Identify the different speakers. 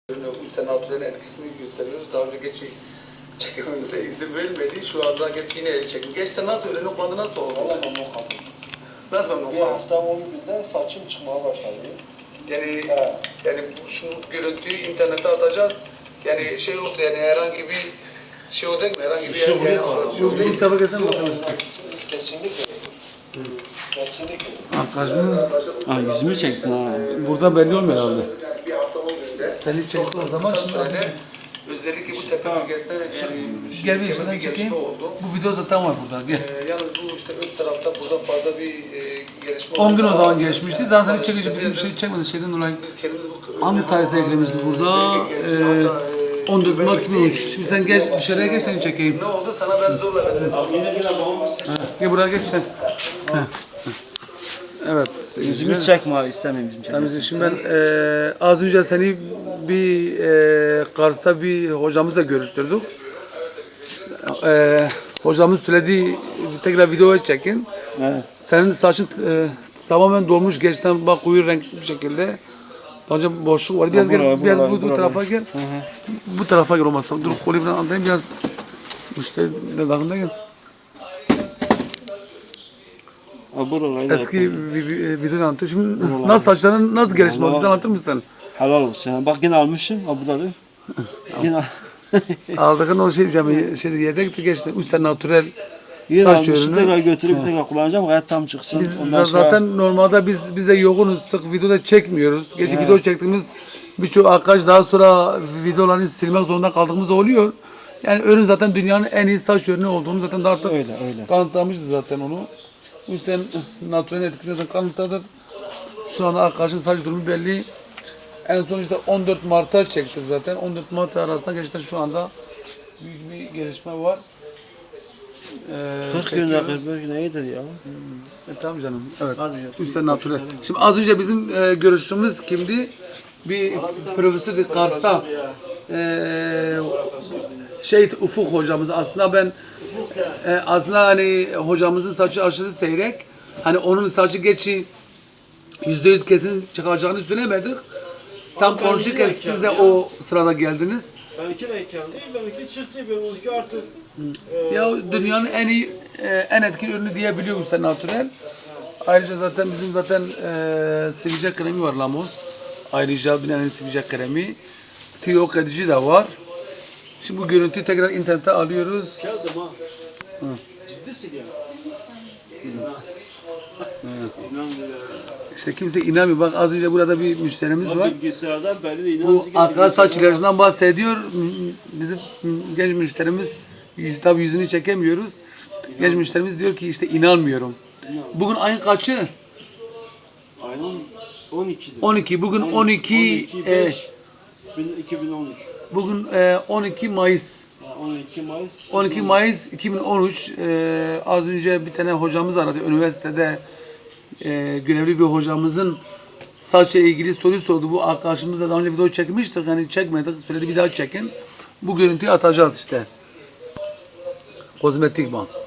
Speaker 1: Bu senatörlerin etkisini gösteriyoruz. Daha önce geçi çekimimize izin verilmedi. Şu anda geç yine el çekim. Geçte nasıl öğrenim olmadı, nasıl oldu?
Speaker 2: Valla memnun kaldım.
Speaker 1: Nasıl memnun
Speaker 2: Bir
Speaker 1: kaldın?
Speaker 2: hafta 10 günde saçım çıkmaya başladı.
Speaker 1: Yani
Speaker 2: Evet.
Speaker 1: yani şu görüntüyü internete atacağız. Yani şey oldu, yani herhangi bir şey olacak mı? Herhangi bir şey değil.
Speaker 3: Bu tarafa gelsene bakalım.
Speaker 2: Kesinlikle. Kesinlikle.
Speaker 3: Arkadaşımız
Speaker 4: Yüzümü çektin ha.
Speaker 3: burada belli olmuyor herhalde.
Speaker 1: Yani bir hafta 10 günde.
Speaker 3: Seni çekti o zaman şimdi
Speaker 1: özellikle bu tepe bölgesinde yani
Speaker 3: gel bir işten çekeyim.
Speaker 1: gelişme oldu.
Speaker 3: Bu video zaten var burada. Gel.
Speaker 1: Yalnız bu işte üst tarafta burada fazla bir gelişme
Speaker 3: 10 gün o
Speaker 1: oldu.
Speaker 3: zaman geçmişti. Daha sonra çekici bizim şey çekmedi şeyden dolayı.
Speaker 1: Biz kendimiz bu
Speaker 3: Hangi tarihte eklemişti burada? 14 Mart 2013. Şimdi sen geç dışarıya geç seni çekeyim.
Speaker 1: ne oldu? Sana ben zorla dedim.
Speaker 3: Gel buraya geç sen. Evet.
Speaker 4: Yüzümü çekme istemiyorum yüzümü çekme.
Speaker 3: Yani şimdi ben az önce seni bir Kars'ta bir hocamızla görüştürdük. Hocamız söyledi tekrar video çekin.
Speaker 4: Evet.
Speaker 3: Senin saçın tamamen dolmuş gerçekten bak koyu renk bir şekilde. Daha önce boşluk var. Biraz gel, biraz bu tarafa gel. Bu tarafa gel olmazsa. Dur kolu biraz andayım biraz. Müşteri ne dağında gel. Eski video anlatıyor. Şimdi nasıl saçların nasıl gelişme oldu? Bize anlatır mısın?
Speaker 4: Helal olsun. Bak yine almışım. Ha burada da. Yine
Speaker 3: Aldığın o şey diyeceğim. Şey yedek geçti. 3 sene natürel
Speaker 4: yine
Speaker 3: saç
Speaker 4: almışım.
Speaker 3: ürünü.
Speaker 4: Tekrar götürüp tekrar kullanacağım. Gayet tam çıksın.
Speaker 3: Biz
Speaker 4: Ondan sonra
Speaker 3: zaten normalde biz de yoğunuz. Sık videoda çekmiyoruz. Gece video çektiğimiz birçok arkadaş daha sonra videolarını silmek zorunda kaldığımız oluyor. Yani ürün zaten dünyanın en iyi saç ürünü olduğunu zaten de artık
Speaker 4: öyle.
Speaker 3: kanıtlamışız zaten onu. Bu yüzden natürel etkisi zaten kanıtladık. Şu an arkadaşın saç durumu belli. En son işte 14 Mart'a çektik zaten. 14 Mart arasında gerçekten şu anda büyük bir gelişme var.
Speaker 4: 40 günde 45 günde iyidir ya.
Speaker 3: Tamam canım. Evet.
Speaker 4: Hadi.
Speaker 3: Üstten natürel. Şimdi az önce bizim görüştüğümüz kimdi? Bir profesör Kars'ta Ufuk hocamız. Aslında ben aslında hani hocamızın saçı aşırı seyrek. Hani onun saçı geçi %100 kesin çıkacağını söylemedik. Tam konuşurken siz de o sırada geldiniz.
Speaker 5: Benimki de geldi, benimki çıktı, benimki artık
Speaker 3: Ya dünyanın en iyi, en etkili ürünü diyebiliyoruz sen natürel. Ayrıca zaten bizim zaten sivilce kremi var Lamos. Ayrıca binanın sivilce kremi. Tüy yok edici de var. Şimdi bu görüntüyü tekrar internete alıyoruz.
Speaker 5: geldim ha. Ciddisin ya.
Speaker 3: İşte kimse inanmıyor. Bak az önce burada bir müşterimiz var.
Speaker 5: Bilgisayardan belli de
Speaker 3: Bu
Speaker 5: inanıcı
Speaker 3: arkadaş saç ilacından bahsediyor. Bizim genç müşterimiz, tabii yüzünü çekemiyoruz. Genç müşterimiz diyor ki işte inanmıyorum. Bugün ayın kaçı?
Speaker 5: Aynen 12'dir.
Speaker 3: 12. Bugün 12
Speaker 5: 2013.
Speaker 3: bugün 12 Mayıs.
Speaker 5: Yani 12 Mayıs.
Speaker 3: 12 Mayıs 2013. Az önce bir tane hocamız aradı. Üniversitede görevli bir hocamızın saçla ilgili soru sordu. Bu arkadaşımızla daha önce video çekmiştik. Hani çekmedik. Söyledi bir daha çekin. Bu görüntüyü atacağız işte. Kozmetik bank.